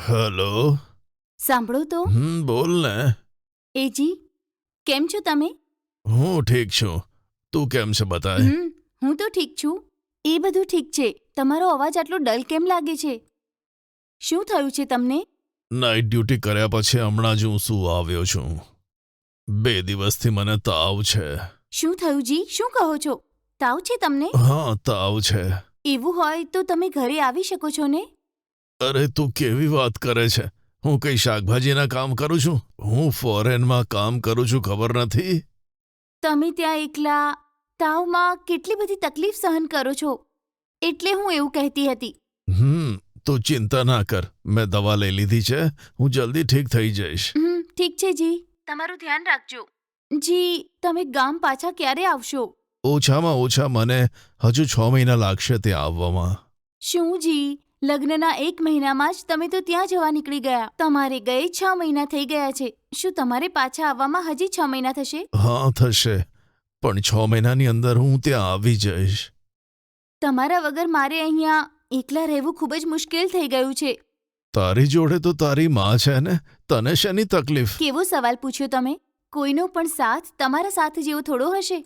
Hello. સાંભળો તો. બોલ ને. એજી, કેમ છો તમે? હું ઠીક છું. તું કેમ છે બતાય? હું તો ઠીક છું. એ બધું ઠીક છે. તમારો અવાજ આટલો ડલ કેમ લાગે છે? શું થયું છે તમને? નાઇટ ડ્યુટી કર્યા પછી હમણાં જ હું શું આવ્યો છું. 2 દિવસથી મને તાવ છે. શું થયું જી? શું કહો છો? તાવ છે તમને? હા, તાવ છે. એવું હોય તો તમે ઘરે આવી શકો છો ને? અરે તું કેવી વાત કરે છે? હું કઈ શાકભાજીના કામ કરું છું? હું ફોરેનમાં કામ કરું છું, ખબર નથી? તમે ત્યાં એકલા તાવમાં કેટલી બધી તકલીફ સહન કરો છો, એટલે હું એવું કહેતી હતી. તું ચિંતા ના કર. મેં દવા લઈ લીધી છે. હું જલ્દી ઠીક થઈ જઈશ. ઠીક છે જી. તમારું ધ્યાન રાખજો. જી, તમે ગામ પાછા ક્યારે આવશો? ઓછામાં ઓછા મને હજુ 6 મહિના લાગશે ત્યાં આવવામાં. શું જી, લગ્નના 1 મહિનામાં જ તમે તો ત્યાં જવા નીકળી ગયા. તમારે ગયે 6 મહિના થઈ ગયા છે. શું તમારે પાછા આવવામાં હજી 6 મહિના થશે? હા, થશે. પણ 6 મહિનાની અંદર હું ત્યાં આવી જઈશ. તમારા વગર મારે અહીંયા એકલા રહેવું ખૂબ જ મુશ્કેલ થઈ ગયું છે. તારી જોડે તો તારી માં છે ને, તને શેની તકલીફ? કેવો સવાલ પૂછ્યો તમે? કોઈનો પણ સાથ તમારા સાથ જેવો થોડો હશે.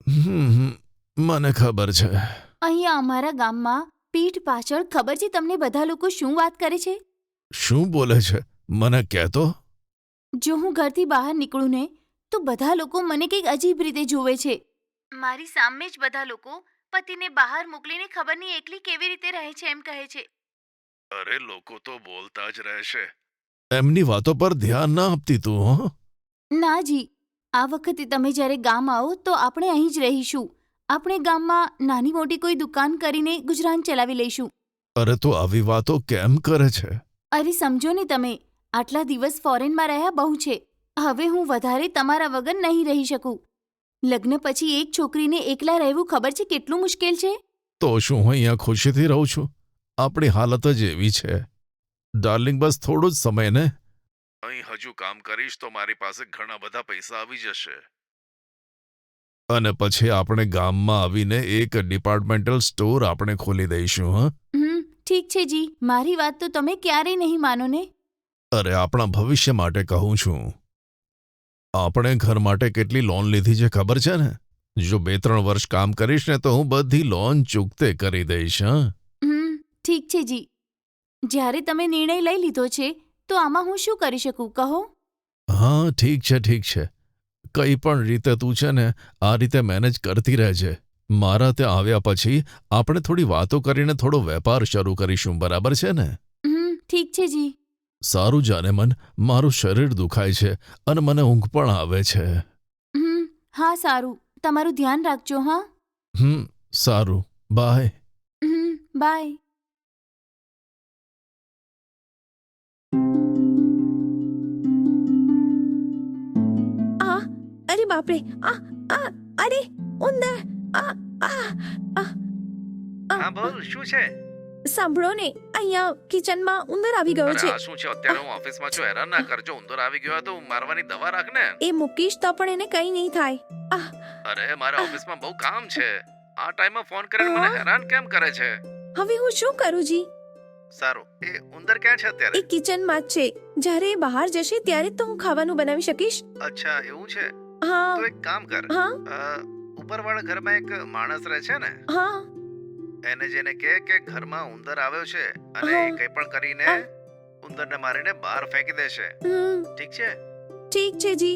મને ખબર છે. અહીંયા અમારા ગામમાં પીઠ પાછળ ખબર છે તમને બધા લોકો શું વાત કરે છે? શું બોલે છે? મને કહેતો. જો હું ઘરથી બહાર નીકળું ને તો બધા લોકો મને કંઈક અજીબ રીતે જોવે છે. મારી સામે જ બધા લોકો પતિને બહાર મોકલીને ખબર નહીં એકલી કેવી રીતે રહે છે એમ કહે છે. અરે લોકો તો બોલતા જ રહેશે. એમની વાતો પર ધ્યાન ના આપતી તું. હો ના જી, આ વખતે તમે જ્યારે ગામ આવો તો આપણે અહીં જ રહીશું. આપણે ગામમાં નાની મોટી કોઈ દુકાન કરીને ગુજરાન ચલાવી લઈશું. અરે તો આવી વાતો કેમ કરે છે? અરે સમજો ને તમે, આટલા દિવસ ફોરેનમાં રહ્યા બહુ છે. હવે હું વધારે તમારા વગર નહીં રહી શકું. લગ્ન પછી એક છોકરીને એકલા રહેવું ખબર છે કેટલું મુશ્કેલ છે? તો શું હું અહીંયા ખુશીથી રહું છું? આપણી હાલત જ એવી છે. ડાર્લિંગ, બસ થોડો જ સમય ને. અહીં હજુ કામ કરીશ તો મારી પાસે ઘણા બધા પૈસા આવી જશે. અને પછી આપણે ગામમાં આવીને એક ડિપાર્ટમેન્ટલ સ્ટોર આપણે ખોલી દઈશું. ઠીક છે જી, મારી વાત તો તમે ક્યારેય નહીં માનો ને. અરે આપણા ભવિષ્ય માટે કહું છું. આપણે ઘર માટે કેટલી લોન લીધી છે ખબર છે ને? જો 2-3 વર્ષ કામ કરીશ ને તો હું બધી લોન ચૂકતે કરી દઈશ. ઠીક છે જી. જ્યારે તમે નિર્ણય લઈ લીધો છે તો આમાં હું શું કરી શકું કહો? હા, ઠીક છે ઠીક છે. કઈ પણ રીતે તું છે ને આ રીતે મેનેજ કરતી રહેજે. મારા ત્યાં આવ્યા પછી આપણે થોડી વાતો કરીને થોડો વેપાર શરૂ કરીશું, બરાબર છે ને? ઠીક છે જી. સારું જાને મન, મારું શરીર દુખાય છે અને મને ઊંઘ પણ આવે છે. હા સારું, તમારું ધ્યાન રાખજો. હા. સારું, બાય. બાય. અરે બાપરે, અરે ઉંદર. હા બોલ, શું છે? સાંભળો ને, અહીંયા કિચનમાં ઉંદર આવી ગયો છે. શું છે? અત્યારે હું ઓફિસમાં છું, હેરાન ના કરજો. ઉંદર આવી ગયો તો મારવાની દવા રાખ ને. એ મૂકીશ તો પણ એને કંઈ નહીં થાય. અરે મારા ઓફિસમાં બહુ કામ છે. આ ટાઈમમાં ફોન કરીને મને હેરાન કેમ કરે છે? હવે હું શું કરું જી? સારું, એ ઉંદર ક્યાં છે અત્યારે? એ કિચનમાં જ છે. જ્યારે એ બહાર જશે ત્યારે તો હું ખાવાનું બનાવી શકીશ. અચ્છા, એવું છે? હા. તો એક કામ કર. હા. ઉપરવાળા ઘરમાં એક માણસ રહે છે ને, હા. એને જેને કહે કે ઘરમાં ઉંદર આવ્યો છે અને એ કંઈ પણ કરીને ઉંદરને મારીને બહાર ફેંકી દેશે. ઠીક છે? ઠીક છે જી.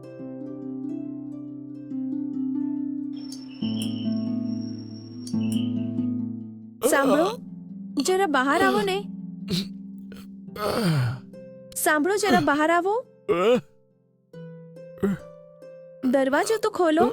સાંભળો, જરા બહાર આવો ને. સાંભળો, જરા બહાર આવો. દરવાજો તો ખોલો.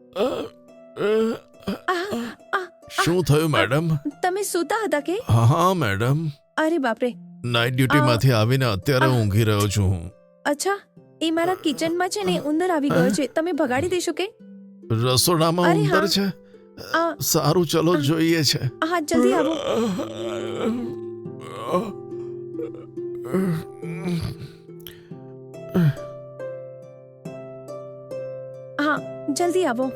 શું થયું મેડમ? તમે સૂતા હતા કે? હા મેડમ. અરે બાપરે. નાઇટ ડ્યુટીમાંથી આવીને અત્યારે ઊંઘી રહ્યો છું હું. અચ્છા, એ મારા કિચનમાં છે ને ઉંદર આવી ગયો છે. તમે ભગાડી દેશો કે? રસોડામાં ઉંદર છે? સારું, ચલો જોઈએ છે. હા, જલ્દી આવો. હા, જલ્દી આવો.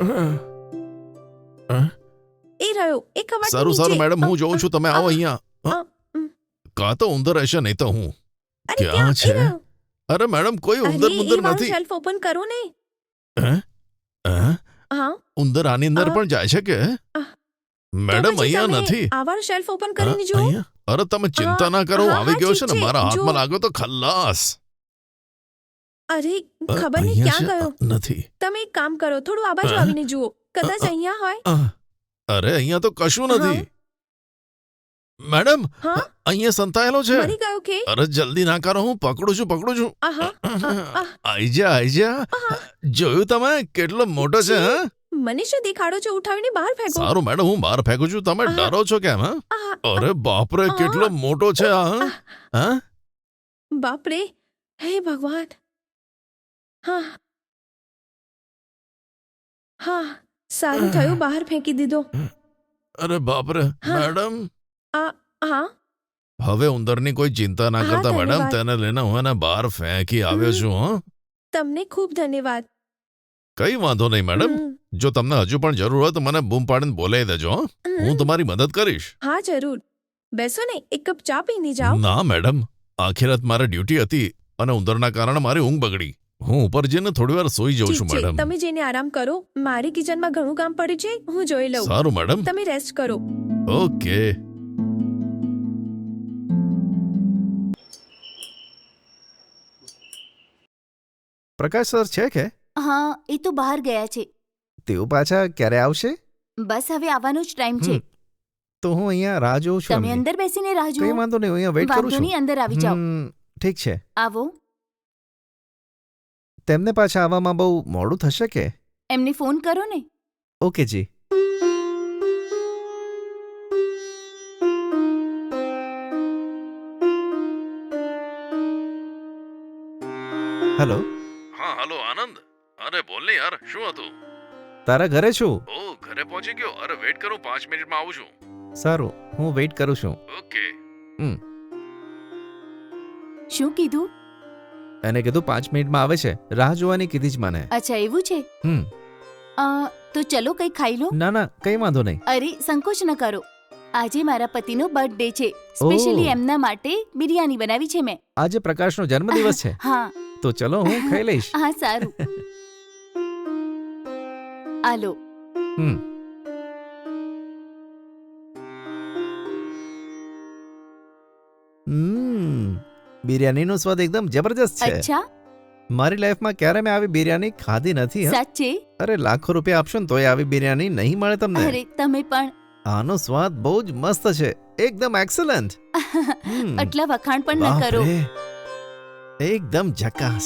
એ રહ્યો, એ કબાટની નીચે. સારું મેડમ, હું જોઉં છું. તમે આવો અહીંયા. કાં તો ઉંદર હશે નહીં તો હું. અરે ક્યાં એ છે? રહ્યો. અરે મેડમ કોઈ અરે, ઉંદર એ મુંદર વાળું નથી. શેલ્ફ ઓપન કરો ને. હે? હે? હા ઉંદર આની અંદર અ, પણ જાય છે કે અ, મેડમ તો પછી અહીંયા તમે નથી. આ વાળું શેલ્ફ ઓપન હા, કરીને જુઓ. અહીંયા? અરે તમે ચિંતા હા, ના કરો, હું હા, આવી હા, ગયો ઠીક છે ને, છે, મારા જુઓ. હાથમાં લાગ્યો તો ખલ્લાસ. અરે ખબર નહીં અહીંયા ક્યાં છે? ગયો. નથી. તમે એક કામ કરો, થોડું આ બાજુ હા? આવીને જુઓ, કદાચ અહીંયા હોય. અરે અહીંયા તો કશું નથી. હા? મેડમ હા? અહીંયા સંતાયેલો છે. મરી ગયો કે? અરે જલ્દી ના કરો, હું પકડું છું. આહા, આહ. આઈ જા. જોયું તમે કેટલો મોટો છે? હા? મને શું દેખાડો છો? ઉઠાવીને બહાર ફેંકો. સારું મેડમ, હું બહાર ફેંકું છું, તમે આહા. ડરો છો કેમ? હા? આહા, અરે બાપરે, કેટલો મોટો છે આ. હા? હા? બાપ રે, હે ભગવાન. હા હા, સારું થયું બહાર ફેંકી દીધો. અરે બાપરે હા. મેડમ, હા હવે ઉંદરની કોઈ ચિંતા ના હા, કરતા મેડમ, ધન્યવાદ. તેને લઈને હું એને બહાર ફેંકી આવ્યો છું. હા? તમને ખૂબ ધન્યવાદ. કઈ વાંધો નહીં મેડમ. હમ, જો તમને હજુ પણ જરૂર હોય તો મને બૂમ પાડીને બોલાવી દેજો. હા? હમ. હું તમારી મદદ કરીશ. હા જરૂર. બેસો ને, એક કપ ચા પીને જાઓ. ના મેડમ, આખી રાત મારે ડ્યુટી હતી અને ઉંદરના કારણે મારી ઊંઘ બગડી. હું ઉપર જઈને થોડી વાર સૂઈ જાઉં ઠીક છું છે, મેડમ. તમે જઈને આરામ કરો. મારી કિચનમાં ઘણું કામ પડ્યું છે, હું જોઈ લઉં. સારું મેડમ. તમે રેસ્ટ કરો. ઓકે. પ્રકાશ સર છે કે હા, એ તો બહાર ગયા છે. તેઓ પાછા ક્યારે આવશે? બસ હવે આવવાનો જ ટાઈમ છે. તો હું અહીંયા રાહ જોઉં છું તમે એમની. અંદર બેસીને રાહ કઈ જુઓ. વાંધો નહીં, હું અહીંયા વેઇટ કરું વાંધો છું. નહીં, અંદર આવી જાઓ. ઠીક છે. આવો. તેમને પાછા આવવામાં બહુ મોડું થશે કે? એમને ફોન કરો ને. ઓકે જી. હેલો, હા હલો આનંદ. અરે બોલ ને યાર, શું હતું? તારા ઘરે છું. ઓ ઘરે પહોંચી ગયો. અરે વેઇટ કરું, 5 મિનિટમાં આવું છું. સારું, હું વેઇટ કરું છું. ઓકે. શું કીધું? એને કીધું 5 મિનિટમાં આવે છે, રાહ જોવાની કીધી જ મને. અચ્છા એવું છે. હમ તો ચલો કંઈ ખાઈ લો. ના ના, કઈ વાંધો નહીં. અરે સંકોચ ન કરો, આજે મારા પતિનો બર્થડે છે. સ્પેશિયલી ઓહ. એમના માટે બિરયાની બનાવી છે મેં. આજે પ્રકાશનો જન્મદિવસ છે, હા તો ચલો હું ખાઈ લઈશ. હા સારું. આલો. હમ બિરયાનીનો સ્વાદ એકદમ જબરજસ્ત છે. અચ્છા મારી લાઈફમાં ક્યારે મેં આવી બિરયાની ખાધી નથી. હં. સાચે? અરે લાખો રૂપિયા આપશો ને તોય આવી બિરયાની નહીં મળે તમને. અરે તમે પણ આનો સ્વાદ બહુ જ મસ્ત છે, એકદમ એક્સલન્ટ. આટલા વખાણ પણ ન કરો. એકદમ ઝકાસ.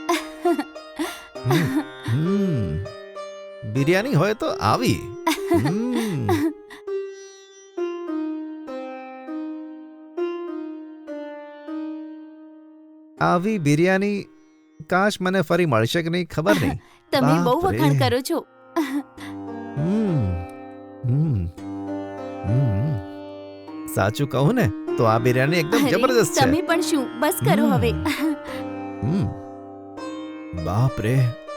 બિરયાની હોય તો આવી. હમ. આવી બિરયાની કાશ મને ફરી મળશે કે નહીં ખબર નહીં. તમે બહુ બાપ રે. વખાણ કરો છો. હમ. હમ. હમ. સાચું કહું ને તો આ બિરયાની એકદમ અરે, જબરદસ્ત છે. તમે પણ શું, બસ કરો હમ. હવે. હમ. બાપ રે.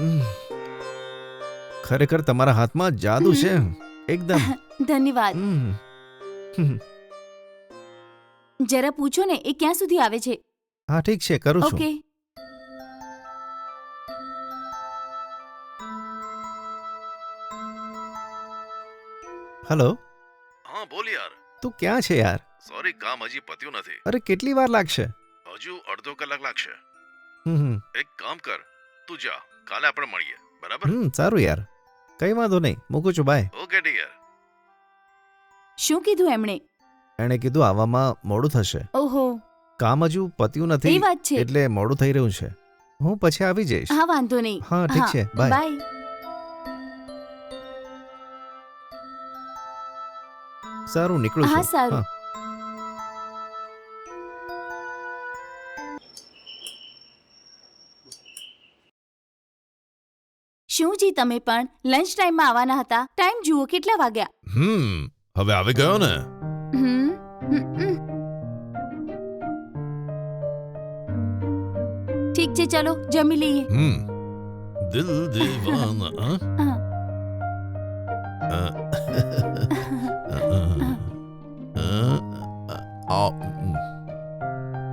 ખરેખર તમારા હાથમાં જાદુ છે એકદમ. ધન્યવાદ. હમ. જરા પૂછો ને એ ક્યાં સુધી આવે છે. હા ઠીક છે, કરું છું. ઓકે. હેલો, હા બોલ યાર. તું ક્યાં છે યાર? સોરી, કામ હજી પત્યું નથી. અરે કેટલી વાર લાગશે? હજુ અડધો કલાક લાગશે. હમ એક કામ કર, તું જા, કાલે આપણે મળીએ, બરાબર? સારું યાર, કઈ વાંધો નહીં, મૂકું છું, બાય. Okay dear. શું કીધું એમણે? એણે કીધું આવવામાં મોડું થશે, ઓહો, કામ હજુ પત્યું એ નથી વાત છે. એટલે મોડું થઈ રહ્યું છે. હું પછી આવી જઈશ. હા વાંધો નહીં. હા ઠીક છે, બાય. બાય. સારું, નીકળું હા છું. સારું. શું જી તમે પણ લંચ ટાઈમમાં આવવાના હતા? ટાઈમ જુઓ કેટલા વાગ્યા. હવે આવી ગયો ને. હમ હમ, હમ. ઠીક છે, ચલો જમી લઈએ. દિલ દીવાના. હા.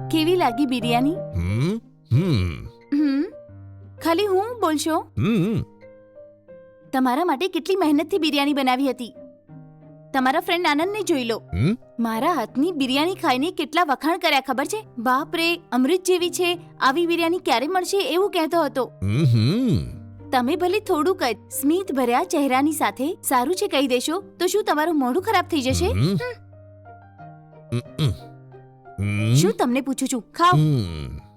કેવી લાગી બિરયાની? હમ હમ હમ ખાલી હું બોલશો? હમ તમારા માટે કેટલી મહેનતથી બિરયાની બનાવી હતી. તમારા ફ્રેન્ડ આનંદને જોઈ લો. હમ મારા હાથની બિરયાની ખાઈને કેટલા વખાણ કર્યા ખબર છે? બાપ રે, અમૃત જેવી છે, આવી બિરયાની ક્યારે મળશે એવું કહેતો હતો. હમ તમે ભલે થોડુંક જ સ્મિત ભર્યા ચહેરાની સાથે સારું છે કહી દેશો તો શું તમારું મોઢું ખરાબ થઈ જશે? હમ. શું તમને પૂછું છું, ખાઓ. હમ